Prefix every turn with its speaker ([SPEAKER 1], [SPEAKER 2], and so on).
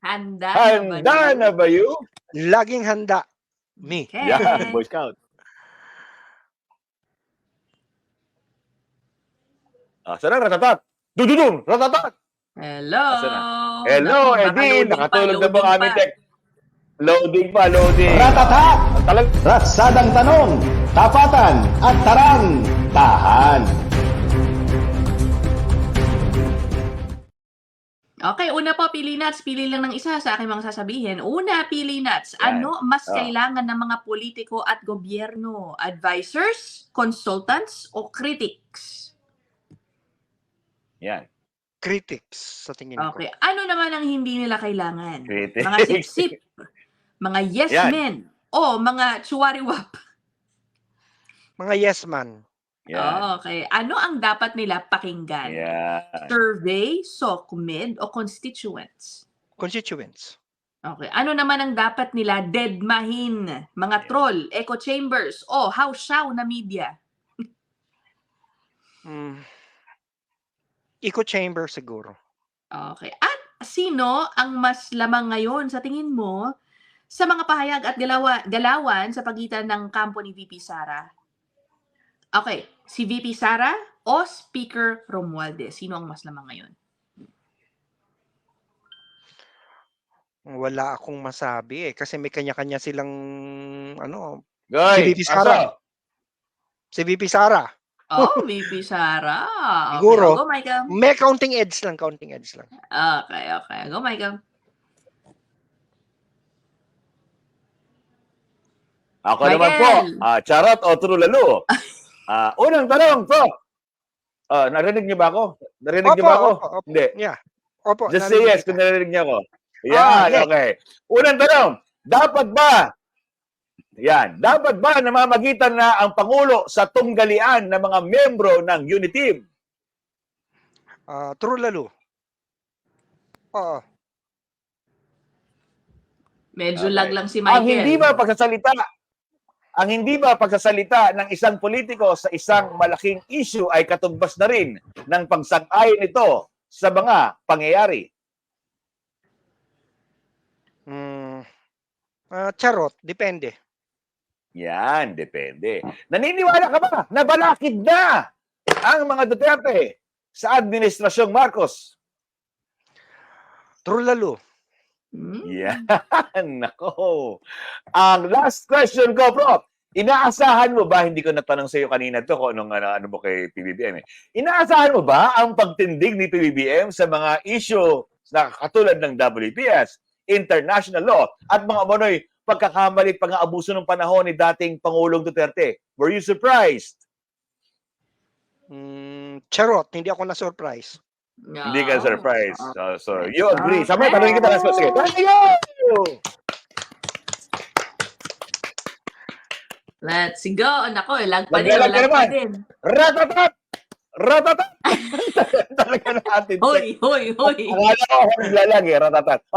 [SPEAKER 1] Handa
[SPEAKER 2] Handa na ba you?
[SPEAKER 3] Laging handa. Me.
[SPEAKER 1] Okay.
[SPEAKER 2] Yan, Boy Scout. Sana ratatat. Dududum, ratatat.
[SPEAKER 1] Hello.
[SPEAKER 2] Asa na? Hello,
[SPEAKER 1] Naku, baka
[SPEAKER 2] Eddie.
[SPEAKER 1] loading
[SPEAKER 2] Nakatulog na po
[SPEAKER 1] loading
[SPEAKER 2] aming
[SPEAKER 1] pa.
[SPEAKER 2] tech. Loading pa, loading.
[SPEAKER 4] Ratatak!
[SPEAKER 2] Talag
[SPEAKER 4] Ratsadang tanong, tapatan at tarang, tahan.
[SPEAKER 1] Okay, una po, pili nuts. Pili lang ng isa sa aking mga sasabihin. Una, pili nuts.
[SPEAKER 2] Yan.
[SPEAKER 1] Ano mas
[SPEAKER 2] Oh.
[SPEAKER 1] kailangan ng mga politiko at gobyerno? Advisors, consultants, o critics?
[SPEAKER 2] Yan.
[SPEAKER 3] Critics, sa tingin ko.
[SPEAKER 1] Okay. Ano naman ang hindi nila kailangan?
[SPEAKER 2] Critics.
[SPEAKER 1] Mga sip-sip, mga yes
[SPEAKER 2] Yan.
[SPEAKER 1] men, o mga chuwariwap?
[SPEAKER 3] Mga yes man.
[SPEAKER 2] Yan.
[SPEAKER 1] Okay. Ano ang dapat nila pakinggan?
[SPEAKER 2] Yan.
[SPEAKER 1] Survey, SOCMED, o constituents?
[SPEAKER 3] Constituents.
[SPEAKER 1] Okay. Ano naman ang dapat nila deadmahin? Mga troll, echo chambers, o house-show na media?
[SPEAKER 3] Echo chamber siguro.
[SPEAKER 1] Okay. At sino ang mas lamang ngayon sa tingin mo sa mga pahayag at galawan sa pagitan ng kampo ni VP Sara? Okay. Si VP Sara o Speaker Romualdez? Sino ang mas lamang ngayon?
[SPEAKER 3] Wala akong masabi kasi may kanya-kanya silang
[SPEAKER 2] Goy,
[SPEAKER 3] Si VP Sara. Si VP Sara.
[SPEAKER 1] Oh, VP Sara. Okay.
[SPEAKER 3] Siguro.
[SPEAKER 1] Go, Michael.
[SPEAKER 3] May counting edge lang.
[SPEAKER 1] Okay. Go, Michael.
[SPEAKER 2] Ako
[SPEAKER 1] Michael.
[SPEAKER 2] naman po, charot o true lalo? Unang tanong po. Narinig niyo ba ako? Narinig niyo ba ako?
[SPEAKER 3] Opo.
[SPEAKER 2] Hindi.
[SPEAKER 3] Yeah. Opo.
[SPEAKER 2] Just say yes kung narinig niyo ako. Yan,
[SPEAKER 3] yes.
[SPEAKER 2] okay. Unang tanong, dapat ba namamagitan na ang Pangulo sa tunggalian ng mga membro ng Uniteam?
[SPEAKER 3] True lalo. Oo.
[SPEAKER 1] Medyo
[SPEAKER 2] Okay.
[SPEAKER 1] lag lang si Michael.
[SPEAKER 2] Ang hindi ba pagsasalita ng isang politiko sa isang malaking issue ay katumbas na rin ng pagsang-ayon nito sa mga pangyayari?
[SPEAKER 3] Charot. Depende.
[SPEAKER 2] Yan, depende. Naniniwala ka ba na balakid na ang mga Duterte sa Administrasyong Marcos?
[SPEAKER 3] True lalo.
[SPEAKER 2] Yan, nako. Ang last question ko, Prof. Inaasahan mo ba, hindi ko natanong sa iyo kanina to kung ano mo kay PBBM Inaasahan mo ba ang pagtindig ni PBBM sa mga issue na katulad ng WPS, international law, at mga umano'y pagkakamali pang-aabuso ng panahon ni dating Pangulong Duterte? Were you surprised?
[SPEAKER 3] Charot. Hindi ako na-surprise.
[SPEAKER 1] No.
[SPEAKER 2] Hindi ka surprised. So you agree. Sabi, tanongin kita last question. Thank you!
[SPEAKER 1] Let's go. Nako, lag pa din.
[SPEAKER 2] Maglalag ka
[SPEAKER 1] Lag pa
[SPEAKER 2] naman.
[SPEAKER 1] din.
[SPEAKER 2] Ratatat! Ratatat! Talaga natin.
[SPEAKER 1] Hoy.
[SPEAKER 2] Akala ko ako naglalag ratatat.